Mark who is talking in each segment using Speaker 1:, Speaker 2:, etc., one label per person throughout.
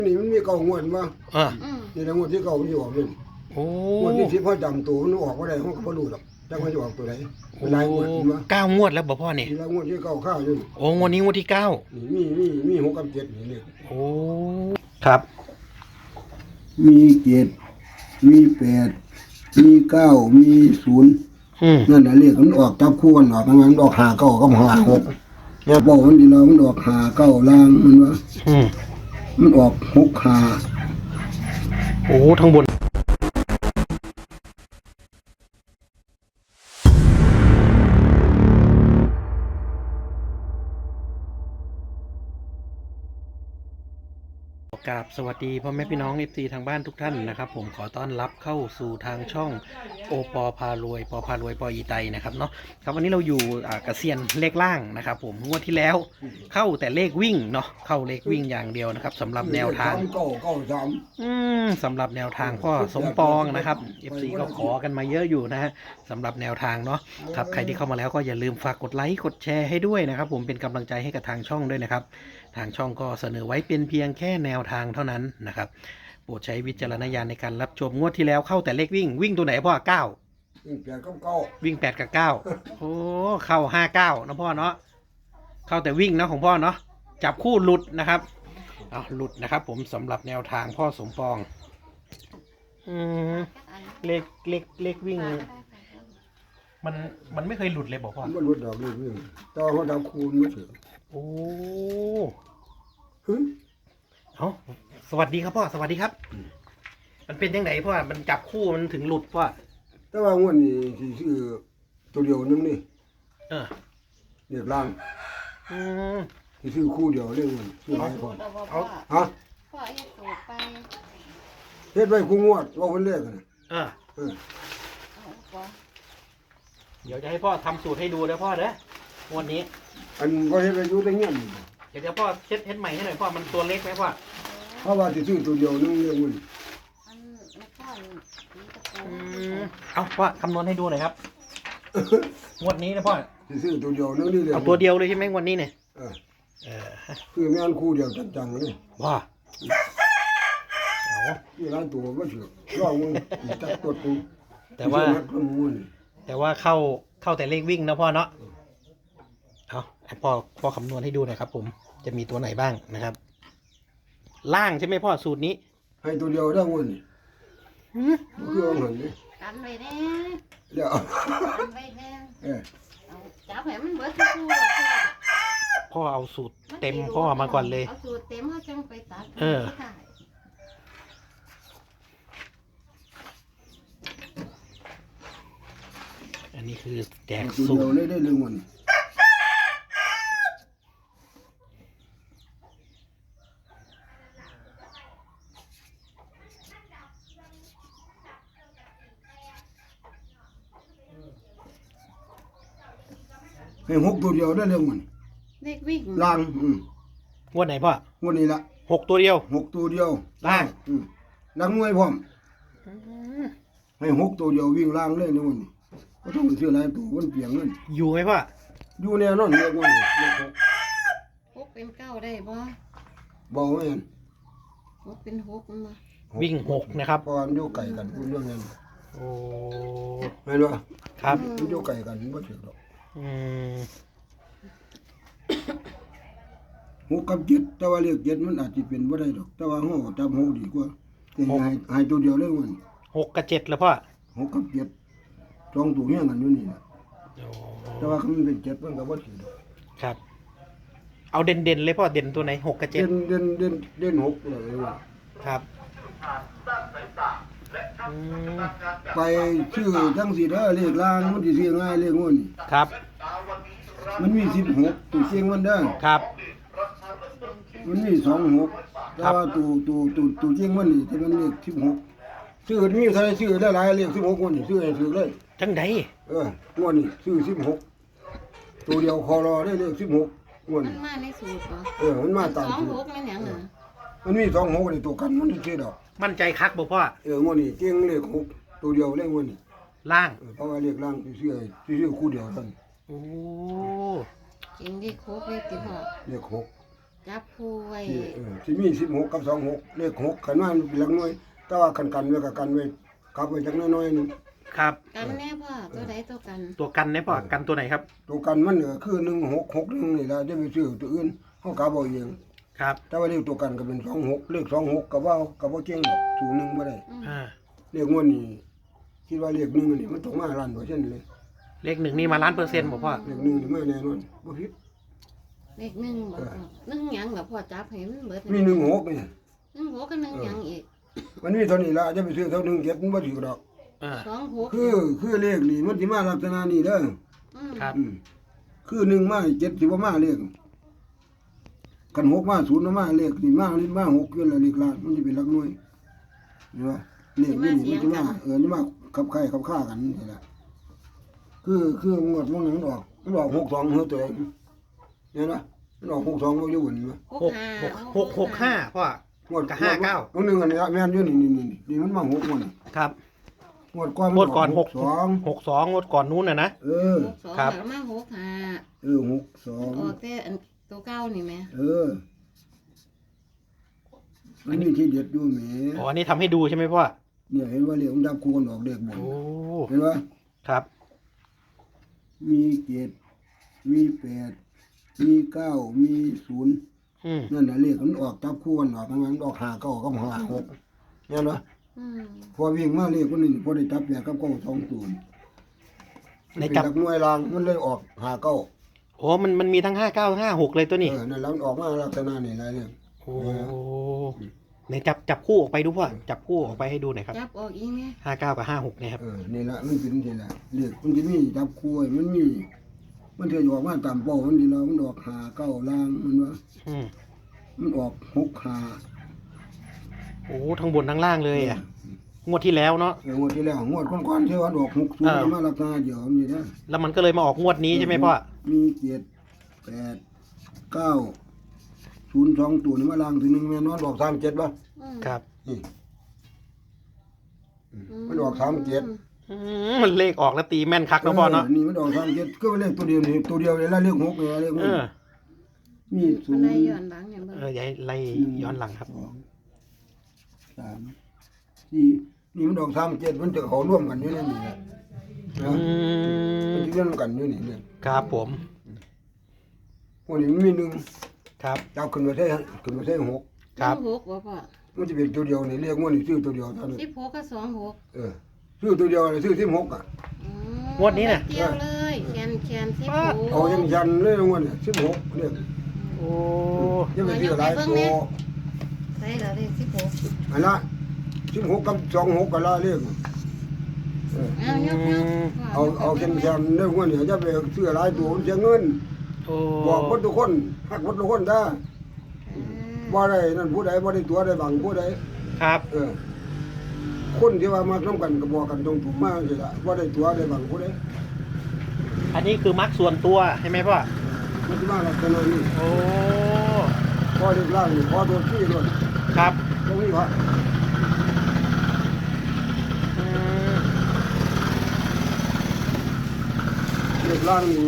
Speaker 1: นี่มันมีเก่างวดมา
Speaker 2: อ่า
Speaker 1: นี่นะงวดที่เก่ามันอยู่ออกเลย
Speaker 2: โอ้
Speaker 1: งวดที่10เขาจำตัวมันออกบ่ได้เขาก็บ่รู้หรอกจังว่าจะออกตัวไหนเป็นหลายงวดมา
Speaker 2: 9 งวดแล้วบอกพ่อนี่
Speaker 1: ทีละงวดที่เก่าข้าวอยู่
Speaker 2: โอ้งวดนี้งวดที่ 9
Speaker 1: นี่มี6กับ7นี่เลย
Speaker 2: โอ้ครับ
Speaker 1: มี7มี8มี9มี0นั่นน่ะเลขมันออกจับคู่กันออกมันออก5 9กับ5 6เนี่ยบอกมันดีแล้วมันออก5 9ล่างมันว่า
Speaker 2: อืม
Speaker 1: มันออก6 5
Speaker 2: โอ้ทั้งบนกราบสวัสดีพ่อแม่พี่น้องเอฟซีทางบ้านทุกท่านนะครับผมขอต้อนรับเข้าสู่ทางช่องโอปอพารวยปอพารวยปออีไตนะครับเนาะครับวันนี้เราอยู่กระเซียนเลขล่างนะครับผมงวดที่แล้วเข้าแต่เลขวิ่งเนาะเข้าเลขวิ่งอย่างเดียวนะครับสำหรับแนวทางสำหรับแนวทางพ่อสมปองนะครับ FC ก็ขอกันมาเยอะอยู่นะฮะสำหรับแนวทางเนาะครับใครที่เข้ามาแล้วก็อย่าลืมฝากกดไลค์กดแชร์ให้ด้วยนะครับผมเป็นกำลังใจให้กับทางช่องด้วยนะครับทางช่องก็เสนอไว้เป็นเพียงแค่แนวทางเท่านั้นนะครับโปรดใช้วิจารณญาณในการรับชมงวดที่แล้วเข้าแต่เลขวิ่งตัวไหนพ่อ9วิ่ง8กับ9โอ้เข้า59นะพ่อเนาะเข้าแต่วิ่งนะของพ่อเนาะจับคู่หลุดนะครับหลุดนะครับผมสำหรับแนวทางพ่อสมปองเลขวิ่งมันไม่เคยหลุดเลยบอกพ่อ
Speaker 1: มันหลุดดอกเลขวิ่งแต่ว่าเขาดาวคูณไม่ถึง
Speaker 2: โอ้เอาสวัสดีครับพ่อสวัสดีครับมันเป็นยังไงพ่อมันจับคู่มันถึงหลุดพ่อ
Speaker 1: แต่ว่างวดนี้ที่ชื่อตัวเดียวนึงนี่เรียกล่างที่ชื่อคู่เดียวเรียกมันชื่ออะไรพ่อฮะ
Speaker 3: พ่อเฮ็ดสูตรไป
Speaker 1: เฮ็ดไว้คู่งวดว่าคนเรียกกัน
Speaker 2: เดี๋ยวจะให้พ่อทำสูตรให้ดูนะพ่อเด้อวันนี้
Speaker 1: อันก็เฮ็ดอายุได้เงี้ย
Speaker 2: เดี๋ยวพ่อเช็ดใหม่ให้หน่อยพ่อมันตัวเล็กไหมพ่อ
Speaker 1: เพราะว่าที่ชื่อตัวเดียวนึงเรียกมัน
Speaker 2: เอาพ่อคำนวณให้ดูหน่อยครับงวดนี้นะพ่อ
Speaker 1: ที่ชื่อตัวเดียวนึงนี่เลย
Speaker 2: เอาตัวเดียวเลยใช่ไหมงวดนี้เนี่ย
Speaker 1: คือแม่นคู่เดียวจังๆเลย
Speaker 2: ว่า
Speaker 1: ที่ร้านตัวก็เชื่อร้องมึงจับตัวกู
Speaker 2: แต่ว่าเข้าแต่เลขวิ่งนะพ่อเนาะเอาพ่อคำนวณให้ดูหน่อยครับผมจะมีตัวไหนบ้างนะครับล่างใช่ไหมพ่อสูตรนี้
Speaker 1: ให้ตัวเดียวได้วันนี้คือเอาเงินนี่
Speaker 3: กันไว้แน่
Speaker 1: เดี๋ยว
Speaker 3: กันไว้แน่จับให้มันเบิดทุกคู่
Speaker 2: พ่อเอาสูตรเต็มพ่อมาก่อนเลย
Speaker 3: เอาสูตรเต็มเขาจังไปตัด
Speaker 2: อันนี้คือแจก
Speaker 1: สูตรได้เรื่องวันให้6ตัวเดียวได้เรื่องมัน
Speaker 3: เลขวิ่ง
Speaker 1: ล่าง
Speaker 2: งวดไหนพ่อ
Speaker 1: วันนี้ละ
Speaker 2: 6ตัวเดียว
Speaker 1: 6ตัวเดียว
Speaker 2: ล่าง
Speaker 1: นักมวยพร้อมให้6ตัวเดียววิ่งล่างเลยนี่วันนี้ก็ต้องเชื่ออะไรตัวมันเปลี่ยนเงิน
Speaker 2: อยู่ไหมพ่อ
Speaker 1: อยู่แน่นอนเลขวันนี้
Speaker 3: 6เป็น9ได้บ่
Speaker 1: บ่แม่น
Speaker 3: 6เป็น6มันบ่
Speaker 2: วิ่ง6นะครับ
Speaker 1: เพราะมันอยู่ไกลกันพูดเรื่องนั้น
Speaker 2: โอ้
Speaker 1: แม่นบ่
Speaker 2: ครับ
Speaker 1: มันอยู่ไกลกันบ่ถึงหรอก6กับ7แต่ว่าเลข7มันอาจจะเป็นบ่ได้ดอกแต่ว่าเฮาจำ6ดีกว่าแต่ให้ตัวเดียวเลยวัน
Speaker 2: 6กับ7แล้วพ่อ
Speaker 1: 6กับ7จองตัวเฮียงกันอยู่นี่ล่ะแต่ว่ามันเป็น7มันก็บ่ถึงดอก
Speaker 2: ครับเอาเด่นเลยพ่อเด่นตัวไหน6กับ7
Speaker 1: เด่น6เลยว่า
Speaker 2: ครับ
Speaker 1: ไปชื่อจังสีเด้อเลขล่างมันสิซื้อง่ายเลขงวดนี่
Speaker 2: ครับ
Speaker 1: มันมี16ตัวเสียงมันเด้อ
Speaker 2: ครับ
Speaker 1: มันมี26แต่ว่าตัวเสียงมันนี่ที่มันเลข16ซื้อมีใครซื้อได้หลายเลข16งวดนี่ซื้อให้ซื้อเลย
Speaker 2: จังได๋
Speaker 1: งวดนี่ซื้อ16ตัวเดียวคอรอได้เลข16งวด
Speaker 3: มันมาในสูตร
Speaker 1: บ่มันมาตามสูตร
Speaker 3: 26มันหยัง
Speaker 1: มันมี26นี่ตัวกันมันสิดอก
Speaker 2: มั่นใจคักบ่พ่
Speaker 1: องวดนี้เก่งเลข6ตัวเดียวเลขงวดนี่
Speaker 2: ล่าง
Speaker 1: เพราะว่าเลขล่างซื้อคู่เดียวซั่น
Speaker 2: โอ้
Speaker 3: จริงดิโคกเลขติพ่อ
Speaker 1: เลข6
Speaker 3: จับคู่ไว้
Speaker 1: ที่มี16กับ26เลข6คันว่ามันเป็นหลักหน่วยแต่ว่ากันไว้กับกันไว้กลับไว้จักน้อยๆนึง
Speaker 2: ครับ
Speaker 3: กันแน่พ่อตัวใดตัวกัน
Speaker 2: ตัวกันเนี่ยพ่อกันตัวไหนครับ
Speaker 1: ตัวกันมันคือ1661นี่ล่ะจะไปซื้อตัวอื่นเฮากลับเอาเอง
Speaker 2: ครับ
Speaker 1: แต่ว่าเลขตัวกันก็เป็น26เลข26ก็บ่เก่งดอกสูงนึงบ่ได้
Speaker 2: อ่า
Speaker 1: เลขงวดนี้คิดว่าเลข1นี่มันต้องมาล้าน%เลย
Speaker 2: เลขหนึ่งนี่มา1,000,000%บ่พ่อ
Speaker 1: เลข1นี่มาแน่นอนบ่ผิด
Speaker 3: เลขหนึ่งบ่พ่อหนึ่งหยังบ่พ่อจับให้มันเบิด
Speaker 1: มี16นี่
Speaker 3: หนึ่งหัวกับหนึ่งหยังอีก
Speaker 1: มันมีเท่านี้ล่ะจะไปซื้อเท่า17มันบ่ถูกดอก
Speaker 2: อ่า
Speaker 3: สองหัว
Speaker 1: คือเลขนี่มันสิมาลักษณะนี้เด้อ
Speaker 2: ครับ
Speaker 1: คือ1มา7สิบ่มาเลขกัน6มา0มาเลขนี่มา6คือละเลขล้านมันสิเป็นหลักหน่วยเห็นบ่เลขนี่มันสิมานี่มาขับไข่ขับฆ่ากันนี่แหละคืองวดมันออก62เฮือตัวเองเห็นบ่มันออก62บ่อยู่บ่
Speaker 2: 665พ่อง
Speaker 1: วด
Speaker 2: กับ
Speaker 1: 59ตัวนึงอันนี้แม่นอยู่นี่มันมา6งวดนี่
Speaker 2: ครับ
Speaker 1: งวดก่อน
Speaker 2: งวดก่อน
Speaker 1: 62
Speaker 2: 62งวดก่อนนู้นนะ
Speaker 1: เออ
Speaker 3: หกสอง
Speaker 2: ครับ
Speaker 3: แล้วมาหกห้า
Speaker 1: 62
Speaker 3: ออกแต่อันตัวเก้านี่แหม่
Speaker 1: มันมีที่เด็ดอยู่แหม
Speaker 2: อ๋ออันนี้ทำให้ดูใช่ไหมพ่อ
Speaker 1: เนี่ยเห็นว่าเรียกมันดับคูณออกเด็กบ่น
Speaker 2: โอ้
Speaker 1: เห็นว่า
Speaker 2: ครับ
Speaker 1: มี7มี8มี9มี0
Speaker 2: อืม
Speaker 1: นั่นน่ะเลขมันออกจับคู่กันออกมันออก5 9กับ5 6เห็นบ่
Speaker 3: อืม
Speaker 1: พอวิ่งมาเลขคนนี้พอได้จับ8กับ9 2ตัว
Speaker 2: ในจับ
Speaker 1: หลักหน่วยรางมันเลยออก5 9
Speaker 2: โอ้มันมีทั้ง5956เลยตัวนี้
Speaker 1: นั่นแล้วมันออกมาลักษณะนี้หลายเรื่อง
Speaker 2: โอ้ในจับคู่ออกไปดูพ่อจับคู่ออกไปให้ดูหน่อยครับ
Speaker 3: จับออกอีกแม่
Speaker 2: 59กับ56เนี่ยครับ
Speaker 1: นี่ละมันเป็นนี่ละเลขมันสิมีจับคู่ไว้มันมีมันเถื่อออกมาตามเป้ามันดีแล้วมันออก5 9ล่างมันว่า
Speaker 2: อืม
Speaker 1: มันออก6
Speaker 2: โอ้ทั้งบนทั้งล่างเลยอ่ะงวดที่แล้วเนาะ
Speaker 1: งวดที่แล้วงวดก่อนๆที่ว่าออก60มาราคาเดียวนี่นะ
Speaker 2: แล้วมันก็เลยมาออกงวดนี้ใช่ไหมพ่อ
Speaker 1: มี7 8 9 0 2ตัวนี่มาล่างถึง1แม่นอนออก37บ่
Speaker 3: อืม
Speaker 2: ครับ
Speaker 1: นี่มันออก37
Speaker 2: มันเลขออกแล้วตีแม่นคักนะพ่อเนาะ
Speaker 1: นี่มันออก37ก็เป็นเลขตัวเดียวนี่ตัวเดียวเลยละเลข6นี่เลข
Speaker 2: เออ
Speaker 1: มี
Speaker 3: มันได้ย้อน
Speaker 1: 0
Speaker 3: หลังอย่างเบิ่ง
Speaker 2: อย่าให้ไล่ย้อนหลังครับ
Speaker 1: 3 4นี่มันออก37มันจะเขาร่วมกันอยู่ในนี่แหละนะ
Speaker 2: อืม
Speaker 1: มันจะร่วมกันอยู่นี่เนี่ย
Speaker 2: ครับผม
Speaker 1: พวกนี้มันมี1
Speaker 2: ครับ
Speaker 1: จับขึ้นมาใส่6
Speaker 2: ครับ
Speaker 3: หกบ่พ่อ
Speaker 1: มันจะเป็นตัวเดียวนี่เรียกว่านี่ซื้อตัวเดียวเท่านั้น
Speaker 3: 16กับ26
Speaker 1: ซื้อตัวเดียวเลยซื้อ16อ่ะ
Speaker 3: อืม
Speaker 2: งวดนี้น่ะ
Speaker 3: เกี่ยวเลยแคน16
Speaker 1: เอายังยันเลยงวดเนี่ย16เนี่ย
Speaker 2: โอ้
Speaker 1: จะไปซื้อหลายตัว
Speaker 3: ใส่แล้วเลข16
Speaker 1: อันละ16กับ26ก็ละเรียก
Speaker 3: เอายกๆ
Speaker 1: เอายันเลยงวดเนี่ยจะไปซื้อหลายตัวเสียเงิน
Speaker 2: โอ้
Speaker 1: บอกคนทุกคนฮักคนทุกคนได้บ่ได้นั่นผู้ใดบ่ได้ตัวได้บังผู้ใด
Speaker 2: ครับ
Speaker 1: คนที่ว่ามาร่วมกันก็บอกกันตรงถูกมากสิล่ะบ่ได้ตัวได้บังผู้ใด
Speaker 2: อันนี้คือมักส่วนตัวใช่ไหมพ่อ
Speaker 1: มันสิมาลักษณะนี้
Speaker 2: โอ้
Speaker 1: พอได้ล่างนี่พอตัวที่ด้วย
Speaker 2: ครับ
Speaker 1: ตรงนี้พระ
Speaker 2: อืม
Speaker 1: เด็กล่างนี่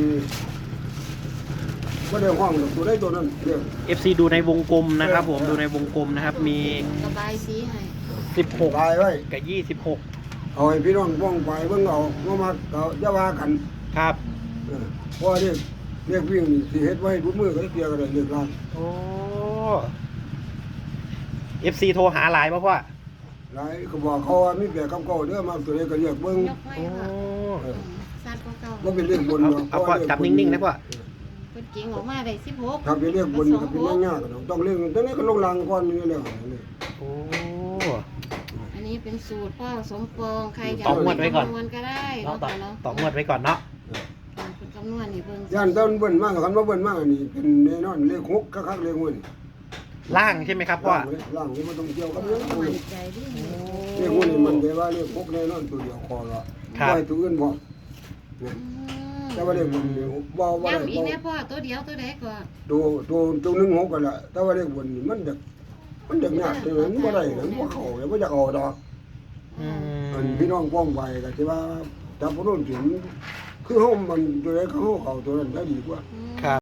Speaker 1: บ่ได้ห้องดอกตัวใดตัวนั้นเด้อ
Speaker 2: FC ดูในวงกลมนะครับผมดูในวงกลมนะครับมี
Speaker 3: ระบายสีให้
Speaker 1: ตายไว้
Speaker 2: 16 กับ 26
Speaker 1: เอาให้พี่น้องป้องไปเบิ่งเอาบ่มักก็อย่าว่ากัน
Speaker 2: ครับ
Speaker 1: เพราะเรียกวิ่งนี่สิเฮ็ดไว้ทุกมื้อก็ได้เตียก็ได้เรียกล่าง
Speaker 2: โอ้ FC โทรหาหลายป่ะพ่อ
Speaker 1: หลายก็บอกเขาว่ามีแบบกับเก่าเด้อมาตัวใดก็เรียกเบิ่ง
Speaker 3: ยกไว้
Speaker 2: โอ้
Speaker 3: ค่ะสัตว์เก่า
Speaker 1: บ่เป็นเรื่องบน
Speaker 2: เอาพ่อจับนิ่งๆนะพ่อ
Speaker 3: ๆเพิ่นเก่งออกมาได้16
Speaker 1: ถ้าเป็นเรื่องบนก็เป็นเรื่องยากต้องเรื่องตอนนี้ก็ลงล่างก่อนนี่แล้ว
Speaker 2: โอ้
Speaker 3: อันนี้เป็นสูตรพ่อสมปองใครจะ
Speaker 2: ต่องวดไว้ก่อน
Speaker 3: คำนวณก็ได้
Speaker 2: เนาะ
Speaker 3: เนาะค่ะเนาะ
Speaker 2: ต่องวดไว้ก่อนเนาะ
Speaker 3: เป็นคำนวณนี่เบิ่ง
Speaker 1: ย่านต้นเบิ่นมากคันว่าเบิ่นมากนี่เป็นแน่นอนเลข6คักๆเลขงวด
Speaker 2: ล่างใช่ไหมครับพ่อ
Speaker 1: ล่างนี่มันต้องเกี่ยวกับเรื่อง
Speaker 3: มั่นใจดิ
Speaker 1: เลขงวดนี่มันได้ว่าเลข6แน่นอนตัวเดียวคอละบ่ให้ตัวอื่นบ่แต่ว่าเลขมันบ่ได้
Speaker 3: ย้ำอีกแน่พ่อตัวเดียวตัวใดก่อน
Speaker 1: ตัว1 6กันละแต่ว่าเลขบนนี่มันจะยากจังนั้นบ่ได้มันบ่เข้าแล้วบ่อยากเอาดอก
Speaker 2: อืม
Speaker 1: อันพี่น้องป้องไปก็สิว่าจับบ่โดนถึงคือเฮามันตัวใดก็เฮาเข้าตัวนั้นได้ดีกว่า
Speaker 3: อืม
Speaker 2: ครับ